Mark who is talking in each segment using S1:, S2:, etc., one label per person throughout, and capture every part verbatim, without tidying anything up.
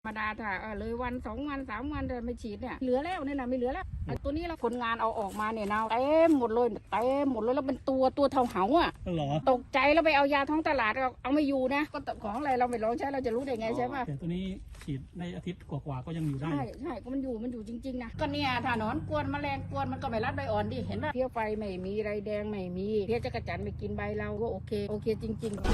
S1: ธรรมดาถ้าเออเลยวันสองวันสามวันจะไม่ฉีดเนี่ยเหลือแล้วเนี่ยนะไม่เหลือแล้วไอ้ตัวนี้เราคนงานเอาออกมาเนี่ยนะเต็มหมดเลยเต็มหมดเลยแล้วเป็นตัวตัวเท่าเหาอ่ะ
S2: เหรอ
S1: ตกใจแล้วไปเอายาท้องตลาดเอาเอาไม่อยู่นะก็ของอะไรเราไม่ลองใช้เราจะรู้ได้ไงใช่ป่ะ
S2: แต่ตัวนี้ฉีดในอาทิตย์กว่าๆก็ยังอยู่ได้
S1: ใช่ใช่ก็มันอยู่มันอยู่จริงๆนะก็เนี่ยถ้าหนอนกวนแมลงกวนมันก็ไม่รัดใบอ่อนดิเห็นป่ะเพี้ยไฟไม่มีไรแดงไม่มีเพี้ยจักรจั่นไม่กินใบเราก็โอเคโอเคจริงๆ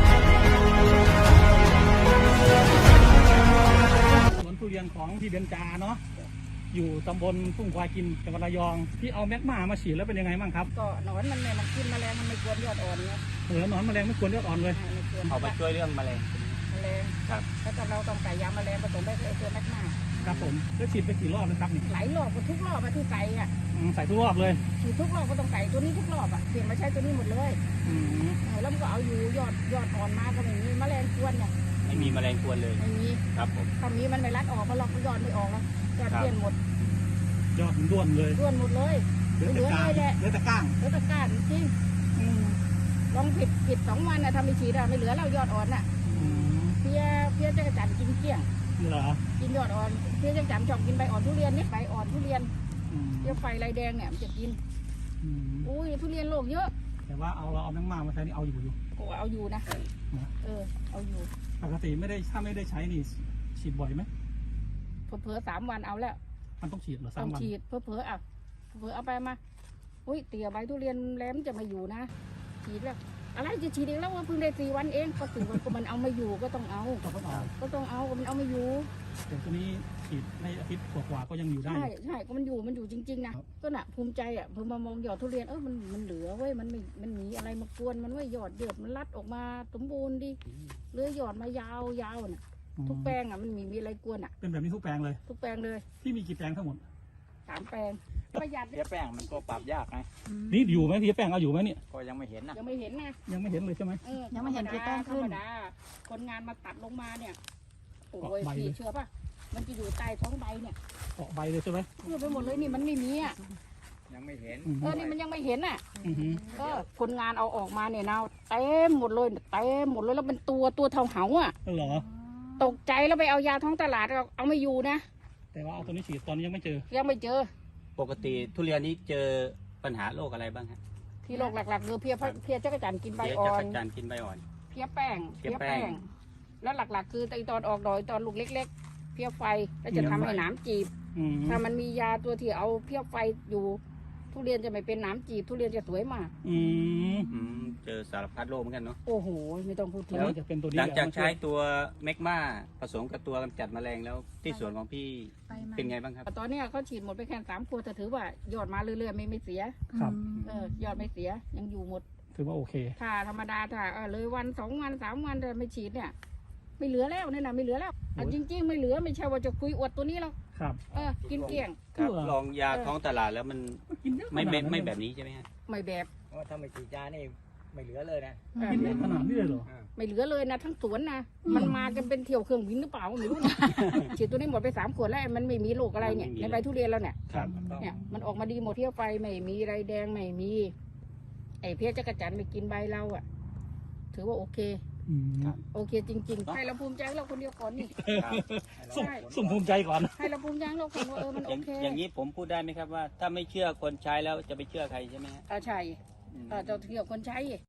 S2: สวนทุเรียนของพี่เบญจาเนาะอยู่ตำบลทุ่งควายกินจังหวัดระยองที่เอาแมกมามาฉีดแล้วเป็นยังไงบ้างครับ
S1: ก็หนอนมันไม่มันกินแมลงมันไม่กวนยอดอ่อนไง
S2: เหลือหนอนแมลงไม่ควรเลือดอ่อนเลย
S3: เอาไปช่วยเรื่องแมลง
S1: แมลง
S3: ครับ
S1: แล้วก็เราต้องใส่ยาแมลงผสมไปเลยตัวแมกมา
S2: ครับผมแล้วฉีดไปกี่รอบนะครับนี่
S1: หลายรอบก็ทุกรอบอะที่ใส่อะ
S2: ใส่ทุกรอบเลย
S1: ฉีดทุกรอบก็ต้องใส่ตัวนี้ทุกรอบอะเปลี่ยนมาใช้ตัวนี้หมดเลย
S2: อืม
S1: แล้วมันก็เอาอยู่ยอดยอดอ่อนมาก็ไม่มีแมลงกวนเนี่ย
S3: ไม่มีแมลงกวนเลย
S1: ไม่มี
S3: ครับผม
S1: ถ้ามีมันไม่รัดออกมาหรอกยอดไม่ออกแล้วยอดเปลี่ยนหมด
S2: ยอดมันด้วนเลย
S1: ด้วนหมดเลย
S2: เหลือแต่ก้างเหลือแต่ก้าง
S1: เหลือแต่ก้านจริงลองผิดผิดสองวันนะทำไม่ฉีดอะไม่เหลือแล้วยอดอ่อนอะเพี้ยเพี้ยจักรจั่นกินเกลี้ยง
S2: เหรอ
S1: กินยอดอ่อนเพี้ยจักรจั่นชอบกินใบอ่อนทุเรียนเนี่ยใบอ่อนทุเรียนเพี้ยไฟลายแดงเนี่ยมันจะกินอุ้ยทุเรียนโรคเยอะ
S2: แต่ว่าเอาเราเอาแมงมามาใช้นี่เอาอยู่อยู่
S1: โอ้เอาอยู่นะเออเอาอยู่
S2: ปกติไม่ได้ถ้าไม่ได้ใช้นี่ฉีดบ่อยไหม
S1: เผลอๆสามวันเอาแล้ว
S2: มันต้องฉีดเหรอสา
S1: ต้
S2: ม
S1: อง
S2: วัน
S1: ฉีดเผลอๆอ่ะเผลอๆเอาไปมาอุ้ยเตี๋ยใบทุเรียนแหลมจะมาอยู่นะฉีดแล้วอะไรจะฉีดเองแล้วว่าเพิ่งได้สี่วันเองก็ถือว่ามันเอาไม่อยู่ก็ต้องเอาก็ต้องเอาก็ต้องเอามันเอาไม่อยู่
S2: แต่ตัวนี้ฉีดในอาทิตย์กว่าๆก็ยังอยู่ได้
S1: ใช่ใช่ก็มันอยู่มันอยู่จริงๆนะก็น่ะภูมิใจอ่ะพอมามองยอดทุเรียนเออมันมันเหลือเว้ยมันไม่มันมีอะไรมากวนมันเว้ยยอดเดือดมันรัดออกมาสมบูรณ์ดิเลื้อยยอดมายาวยาวน่ะทุกแปลงอ่ะมันมีมีอะไรกวนอ่ะ
S2: เป็นแบบนี้ทุกแปลงเลย
S1: ทุกแปลงเลย
S2: ที่มีกี่แปลงทั้งหมด
S1: สามแปลงประหยัด
S3: เพี้ยแป้งมันก็ปรับยากไง
S2: นี่อยู่ไหมพี่แป้งเอาอยู่ไหมเนี่ย
S3: ก็ยังไม่เห็นนะ
S1: ยังไม่เห็นนะ
S2: ยังไม่เห็นเลยใช่ไหม
S1: ยังไม่เห็นพี่แป้งขึ้นคนงานมาตัดลงมาเนี่ยโอ้ยพี่เชื่อป่ะมันจะอยู่ใต้ท้องใบเนี่ย
S2: เกาะใบเลยใช่ไหม
S1: เชื่อไปหมดเลยนี่มันไม่มีอ่ะ
S3: ยังไม่เห็น
S1: เออนี่มันยังไม่เห็นอ่ะก็คนงานเอาออกมาเนี่ยนะเต็มหมดเลยเต็มหมดเลยแล้วเป็นตัวตัวเท่าเหาอ่ะ
S2: เหรอ
S1: ตกใจแล้วไปเอายาท้องตลาดเอาเอาไม่อยู่นะ
S2: แต่ว่าเอาตัวนี้ฉีดตอนนี้ยังไม่เจอ
S1: ยังไม่เจอ
S3: ปกติทุเรียนนี้เจอปัญหาโรคอะไรบ้างฮะ
S1: ที่โรคหลักๆคือเพี้ยเพี้ยจักรจั่นกินใบอ่อน
S3: จักรจั่นกินใบอ่อน
S1: เพี้ยแป้งเพี้ยแป้งแล้วหลักๆคือตอนออกดอยตอนลูกเล็กๆเพี้ยไฟแล้วจะทำให้หนามจีบถ้ามันมียาตัวที่เอาเพี้ยไฟอยู่ทุเรียนจะไม่เป็นหนามจีบทุเรียนจะสวยมาก
S2: อืม
S3: เจอสารพัดโรคเหมือนกันเนาะ
S1: โอ้โหไม่ต้องพูดถึง
S2: จะเป็นตัวนี้
S3: หลังจากใช้ตัวแมกมาผสมกับตัวกำจัดแมลงแล้วที่สวนของพี่เป็นไงบ้างครับ
S1: ตอนนี้เขาฉีดหมดไปแค่สามขวดแต่ถือว่ายอดมาเรื่อยๆไม่ไม่เสีย
S2: ครับ
S1: เออยอดไม่เสียยังอยู่หมด
S2: ถือว่าโอเค
S1: ถ้าธรรมดาถ้าเออเลยวันสองวันสามวันจะไม่ฉีดเนี่ยไม่เหลือแล้วเนี่ยนะไม่เหลือแล้วจริงๆไม่เหลือไม่ใช่ว่าจะคุยอวดตัวนี้หรอก
S2: ครับ
S1: เออกินเกลี้ยง
S3: ครับลองยาท้องตลาดแล้วมันไม่ไม่ไม่แบบนี้ใช่ไหมฮะ
S1: ไม่แบบ
S4: ว่าถ้าไม่ฉีดยานี่ไม่เหลือเลยนะ
S2: กินได้ขนาดนี้เลยเหรอ
S1: ไม่เหลือเลยนะทั้งสวนนะมันมากันเป็นเที่ยวเครื่องบินหรือเปล่าไม่รู้นะฉีดตัวนี้หมดไปสามขวดแล้วมันไม่มีโรคอะไรเนี่ยในใบทุเรียนแล้วเนี่ยเนี่ยมันออกมาดีหมดเที่ยวไฟไม่มีไรแดงไม่มีไอ้เพี้ยจักรจั่นไม่กินใบเราอ่ะถือว่าโอเคโอเคจริงๆให้เราภูมิใจเราคนเดียวก่อนนี่
S2: สุ่มภูมิใจก่อน
S1: ให้เราภูมิใจเราคนว่าเออมันโอเค
S3: อย่างนี้ผมพูดได้ไหมครับว่าถ้าไม่เชื่อคนใช้แล้วจะไปเชื่อใครใช่ไหมฮะ
S1: อ่าใช่อ่าจะเชื่อคนใช้